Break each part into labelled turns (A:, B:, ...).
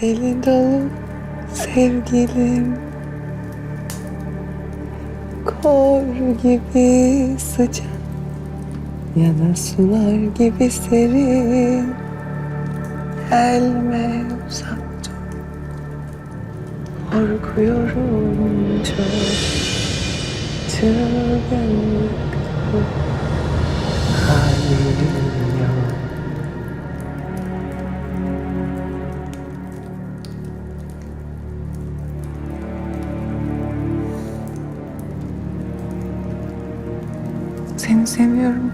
A: Deli dolu sevgilim, kor gibi sıcak ya da sular gibi serin. Gelme uzak dur, korkuyorum çok. Çılgınlık bu, halim yok. Seni seviyorum.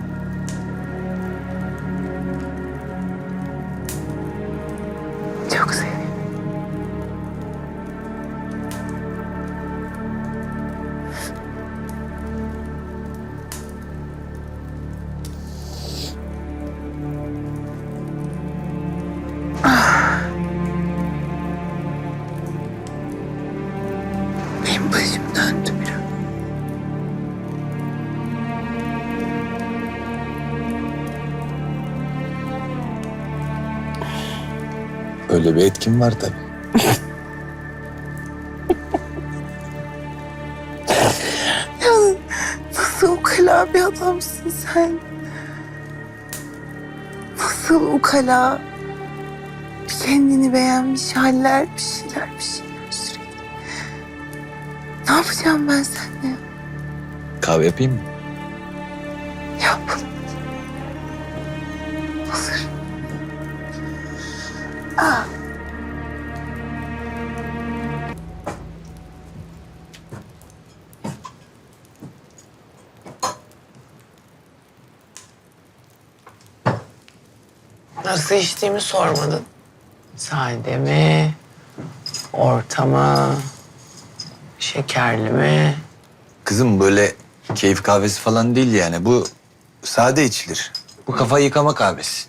A: Çok seviyorum. Benim başım döndü biraz.
B: Öyle bir etkin var tabii.
A: Ya nasıl ukala bir adamsın sen? Nasıl ukala? Bir kendini beğenmiş haller, bir şeyler sürekli. Ne yapacağım ben seninle?
B: Kahve yapayım mı?
A: Yap. Hazır. Aa. Nasıl içtiğimi sormadın. Sade mi? Orta mı? Şekerli mi?
B: Kızım böyle keyif kahvesi falan değil yani. Bu sade içilir. Bu kafa yıkama kahvesi.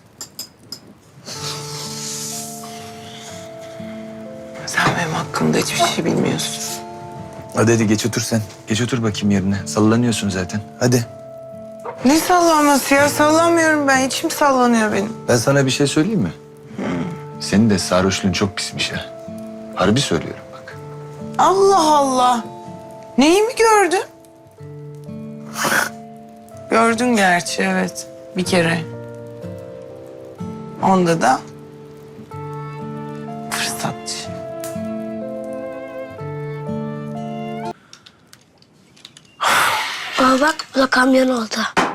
A: Sen benim hakkımda hiçbir şey bilmiyorsun.
B: Hadi geç otur sen. Geç otur bakayım yerine. Sallanıyorsun zaten. Hadi.
A: Ne sallanması ya? Sallanmıyorum ben. İçim sallanıyor benim.
B: Ben sana bir şey söyleyeyim mi? Senin de sarhoşluğun çok pismiş ha. Harbi söylüyorum bak.
A: Allah Allah. Neyi mi gördün? Gördün gerçi, evet. Bir kere. Onda da fırsatçı.
C: Baba bak, bu da kamyon oldu.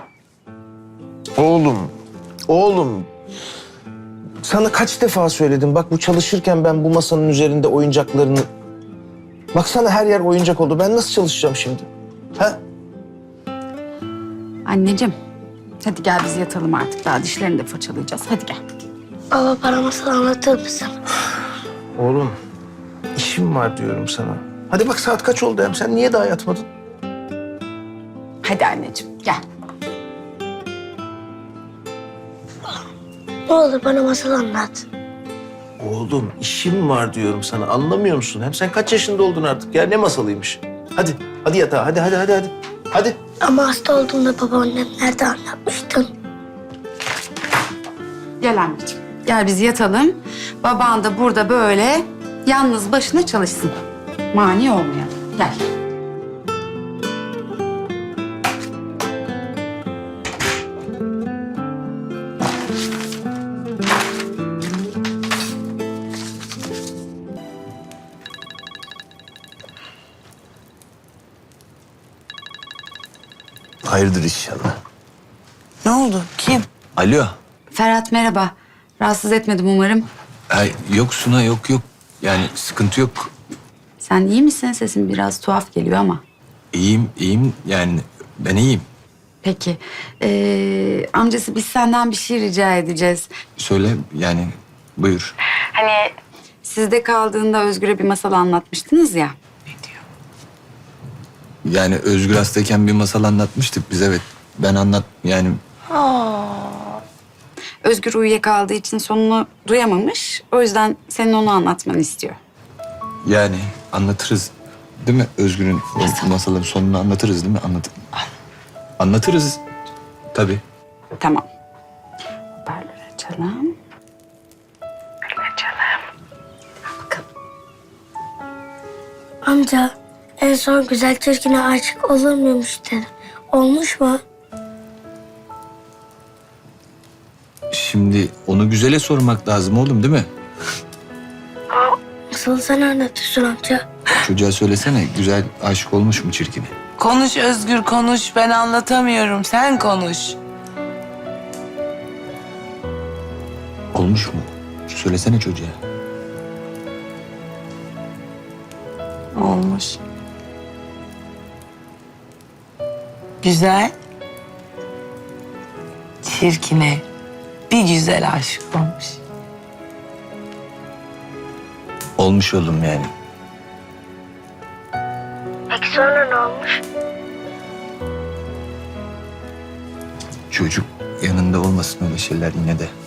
D: Oğlum. Sana kaç defa söyledim. Bak bu çalışırken ben bu masanın üzerinde oyuncaklarını... Baksana her yer oyuncak oldu. Ben nasıl çalışacağım şimdi? Ha?
E: Anneciğim, hadi gel biz yatalım artık. Daha dişlerini de fırçalayacağız. Hadi gel.
C: Baba bana masal anlatır mısın?
D: Oğlum, işim var diyorum sana. Hadi bak saat kaç oldu hem? Sen niye daha yatmadın?
E: Hadi anneciğim, gel.
C: Ne olur bana masal anlat.
D: Oğlum, işim var diyorum sana. Anlamıyor musun? Hem sen kaç yaşında oldun artık ya? Ne masalıymış? Hadi yatağa. Hadi. Hadi.
C: Ama hasta olduğumda babaannem nerede anlatmıştın?
E: Gel anneciğim. Gel biz yatalım. Baban da burada böyle yalnız başına çalışsın. Mani olmayalım. Gel.
B: Hayırdır inşallah.
A: Ne oldu? Kim?
B: Alo.
E: Ferhat merhaba. Rahatsız etmedim umarım.
B: Ay, yok Suna yok. Yani sıkıntı yok.
E: Sen iyi misin? Sesin biraz tuhaf geliyor ama.
B: İyiyim yani ben iyiyim.
E: Peki. Amcası biz senden bir şey rica edeceğiz.
B: Söyle yani buyur.
E: Hani sizde kaldığında Özgür'e bir masal anlatmıştınız ya.
B: Yani Özgür hastayken bir masal anlatmıştık biz, evet. Ben yani
E: Özgür uyuyakaldığı için sonunu duyamamış. O yüzden senin onu anlatmanı istiyor.
B: yani anlatırız değil mi? Özgür'ün o masalın sonunu anlatırız değil mi? Anlatırız tabii.
E: Tamam. Hoparlör açalım.
C: Amca en son güzel çirkine aşık olur muymuş dedi. Olmuş mu?
B: Şimdi onu güzele sormak lazım oğlum değil mi?
C: Nasıl sen anlatıyorsun amca?
B: Çocuğa söylesene güzel aşık olmuş mu çirkine?
A: Konuş Özgür konuş. Ben anlatamıyorum. Sen konuş.
B: Olmuş mu? Söylesene çocuğa.
A: Olmuş. Güzel. Çirkine bir güzel aşık olmuş.
B: Olmuş oğlum yani.
C: Peki sonra ne olmuş?
B: Çocuk yanında olmasın öyle şeyler yine de.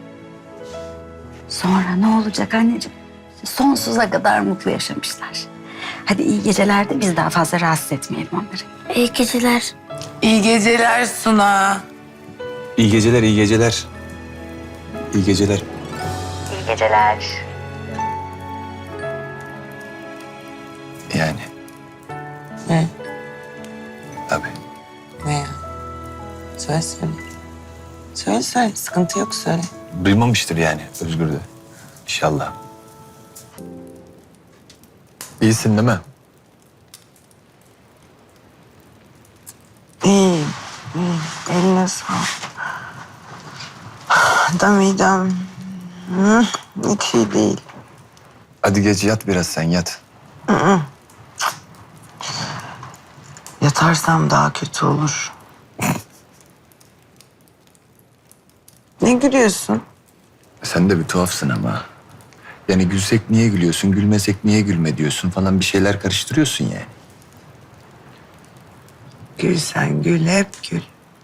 E: Sonra ne olacak anneciğim? Sonsuza kadar mutlu yaşamışlar. Hadi iyi geceler de biz daha fazla rahatsız etmeyelim onları.
C: İyi geceler.
A: İyi geceler Suna.
B: İyi geceler, iyi geceler. İyi geceler.
E: İyi geceler.
B: Yani
A: Ne?
B: tabii.
A: Ne ya? Söyle söyle. Söyle söyle. Sıkıntı yok söyle.
B: Duymamıştır yani Özgür de. İnşallah. İyisin değil mi?
A: İyi. İyi. Eline sağlık. Da midem. Hiç iyi değil.
B: Hadi gece yat biraz sen yat.
A: Yatarsam daha kötü olur. Ne gülüyorsun?
B: Sen de bir tuhafsın ama. Yani gülsek niye gülüyorsun, gülmesek niye gülme diyorsun falan bir şeyler karıştırıyorsun yani.
A: Gül sen gül, hep gül.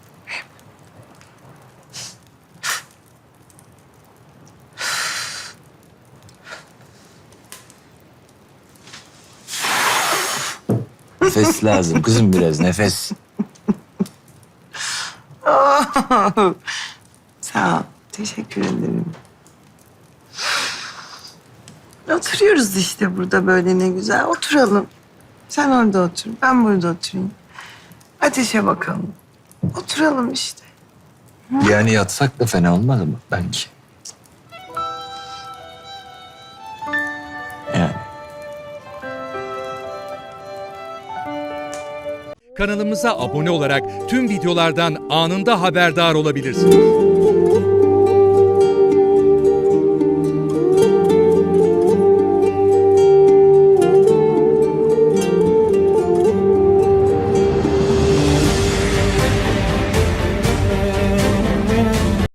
B: Nefes lazım kızım biraz nefes.
A: Sağ ol. Teşekkür ederim. Oturuyoruz işte burada böyle ne güzel. Oturalım. Sen orada otur. Ben burada oturayım. Ateşe bakalım. Oturalım işte.
B: Yani yatsak da fena olmaz mı belki? Yani.
F: Kanalımıza abone olarak tüm videolardan anında haberdar olabilirsiniz.